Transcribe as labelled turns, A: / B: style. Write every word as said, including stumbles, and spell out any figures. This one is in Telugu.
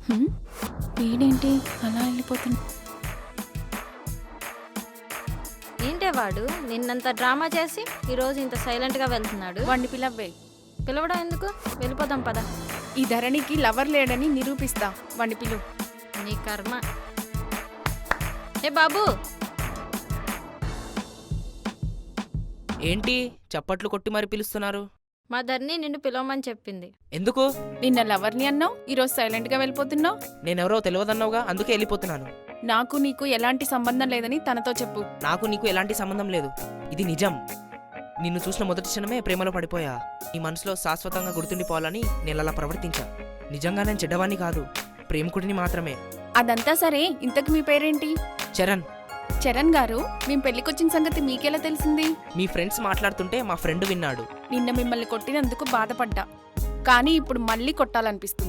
A: హ్మ్? వీడేంటి అలా వెళ్ళిపోతుంది?
B: ఏంటే వాడు నిన్నంత డ్రామా చేసి ఈరోజు ఇంత సైలెంట్గా వెళ్తున్నాడు.
A: వాడిని పిలవ్వే.
B: పిలవడం ఎందుకు? వెళ్ళిపోదాం పద.
A: ఈ ధరణికి లవర్ లేడని నిరూపిస్తా. వాడిని పిలువు.
B: నీ కర్మ. ఏ బాబు,
C: ఏంటి చప్పట్లు కొట్టి మరి పిలుస్తున్నారు?
B: మా ధరణి నిన్ను పిలవమని చెప్పింది.
C: ఎందుకు?
A: నిన్న లవర్ని అన్నావు, ఈరోజు సైలెంట్ గా వెళ్ళిపోతున్నావు.
C: నేనెవరో తెలియదన్నావుగా, అందుకే వెళ్ళిపోతున్నాను.
A: నాకు నీకు ఎలాంటి సంబంధం లేదని తనతో చెప్పు.
C: నాకు నీకు ఎలాంటి సంబంధం లేదు, ఇది నిజం. నిన్ను చూసిన మొదటి క్షణమే ప్రేమలో పడిపోయా. నీ మనసులో శాశ్వతంగా గుర్తుండిపోవాలని నేను అలా ప్రవర్తించా. నిజంగా నేను చెడ్డవాణ్ణి కాదు, ప్రేమికుడిని మాత్రమే.
A: అదంతా సరే, ఇంతకు మీ పేరేంటి?
C: చరణ్.
A: చరణ్ గారు, మేం పెళ్లికొచ్చిన సంగతి మీకెలా తెలిసింది?
C: మీ ఫ్రెండ్స్ మాట్లాడుతుంటే మా ఫ్రెండ్ విన్నాడు.
A: నిన్న మిమ్మల్ని కొట్టినందుకు బాధపడ్డా, కానీ ఇప్పుడు మళ్ళీ కొట్టాలనిపిస్తుంది.